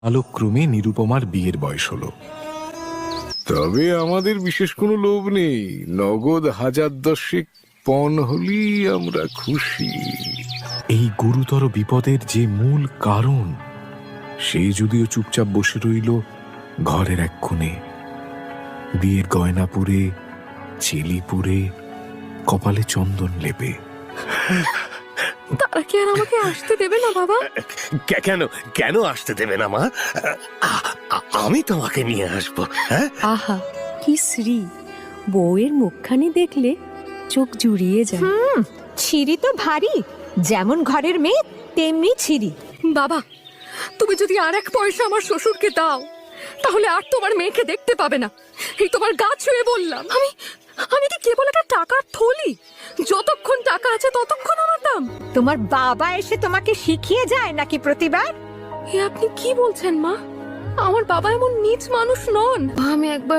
কালক্রমে নিরুপমার বিয়ের বয়স হলো। তবে আমাদের বিশেষ কোনো লোভ নেই, নগদ 1010 পণ হলেই আমরা খুশি। এই গুরুতর বিপদের যে মূল কারণ, সে যদিও চুপচাপ বসে রইল ঘরের এক কোণে, বিয়ের গয়না পরে, চেলি পরে, কপালে চন্দন লেপে। তারা কি আর আমাকে আসতে দেবে না বাবা? কেন কেন আসতে দেবে না মা? আমি তোমাকে নিয়ে আসবো। হ্যাঁ, আহা কি শ্রী! বউয়ের মুখখানি দেখলে চোখ জুড়িয়ে যায়। ছিরি তো ভারী, যেমন ঘরের মেয়ে তেমনি ছিরি। বাবা, তুমি যদি আর এক পয়সা আমার শ্বশুরকে দাও, তাহলে আর তোমার মেয়েকে দেখতে পাবে না। এই তোমার গা ছুঁয়ে বললাম। আমি কি কেবল একটা টাকার থলি? যতক্ষণ টাকা আছে ততক্ষণ আমার দাম। তোমার বাবা এসে তোমাকে শিখিয়ে যায় নাকি প্রতিবার? এ আপনি কি বলছেন মা? আমার বাবা এমন নীচ মানুষ নন। আমি একবার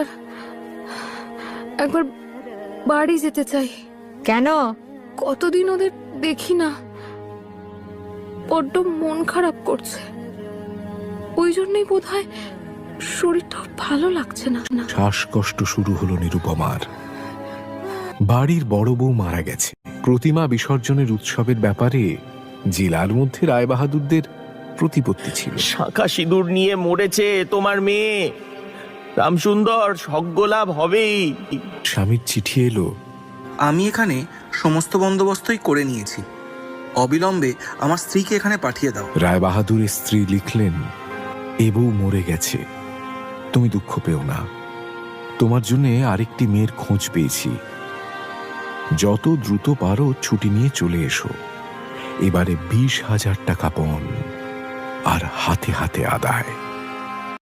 বাড়ি যেতে চাই। কেন? কতদিন ওদের দেখি না, বড্ড মন খারাপ করছে। ওই জন্যই বোধহয় শরীরটা ভালো লাগছে না। শ্বাসকষ্ট শুরু হলো নিরুপমার। বাড়ির বড় বউ মারা গেছে। প্রতিমা বিসর্জনের উৎসবের ব্যাপারে জেলার মধ্যে রায়বাহাদুরদের প্রতিপত্তি ছিল। শাঁখা সিঁদুর নিয়ে মরেছে তোমার মেয়ে। রামসুন্দর, সজ্ঞলাভ হবেই। স্বামীর চিঠি এলো। আমি এখানে সমস্ত বন্দোবস্তই করে নিয়েছি, অবিলম্বে আমার স্ত্রীকে এখানে পাঠিয়ে দাও। রায়বাহাদুরের স্ত্রী লিখলেন, এ বউ মরে গেছে, তুমি দুঃখ পেও না। তোমার জন্য আরেকটি মেয়ের খোঁজ পেয়েছি। যত দ্রুত পারো ছুটি নিয়ে চলে এসো। এবারে 20,000 টাকা পণ, আর হাতে হাতে আদায়।